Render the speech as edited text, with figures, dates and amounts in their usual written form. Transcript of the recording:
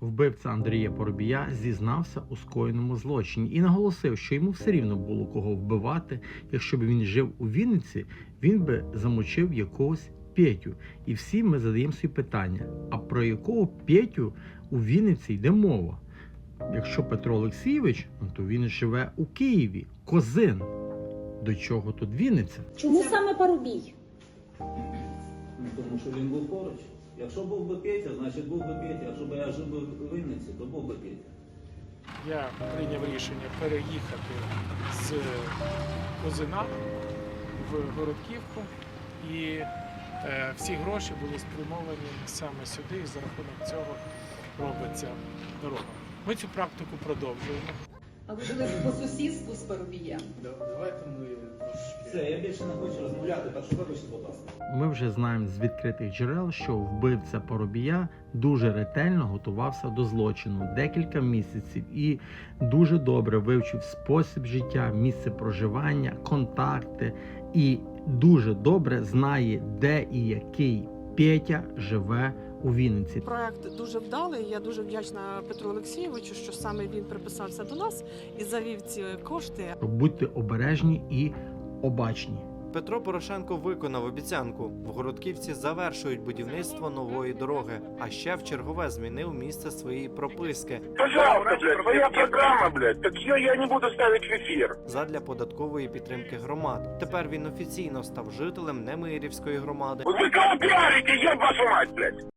Вбивця Андрія Парубія зізнався у скоєному злочині і наголосив, що йому все рівно було кого вбивати. Якщо б він жив у Вінниці, він би замочив якогось Петю. І всі ми задаємо собі питання, а про якого Петю у Вінниці йде мова? Якщо Петро Олексійович, то він живе у Києві, Козин. До чого тут Вінниця? Чому саме Парубій? Тому що він був поруч. Якщо був би Петя, значить був би Петя. Якщо б я жив би у Вінниці, то був би Петя. Я прийняв рішення переїхати з Козина в Городківку, і всі гроші були спрямовані саме сюди, і за рахунок цього робиться дорога. Ми цю практику продовжуємо. А ви були по сусідству з Парубієм? Давайте ми трошки... Все, я більше не хочу розмовляти, так що вибачте, будь ласка. Ми вже знаємо з відкритих джерел, що вбивця Парубія дуже ретельно готувався до злочину декілька місяців і дуже добре вивчив спосіб життя, місце проживання, контакти і дуже добре знає, де і який Петя живе у Вінниці. Проект дуже вдалий. Я дуже вдячна Петру Олексійовичу, що саме він приписався до нас і завів ці кошти. Будьте обережні і обачні. Петро Порошенко виконав обіцянку. В Городківці завершують будівництво нової дороги, а ще в чергове змінив місце своєї прописки. Пожалуйста, блядь, твоя программа, блядь, так ее я не буду ставить в эфир. Задля податкової підтримки громад. Тепер він офіційно став жителем Немирівської громади. Вы кого пиарите, еб вашу мать, блядь?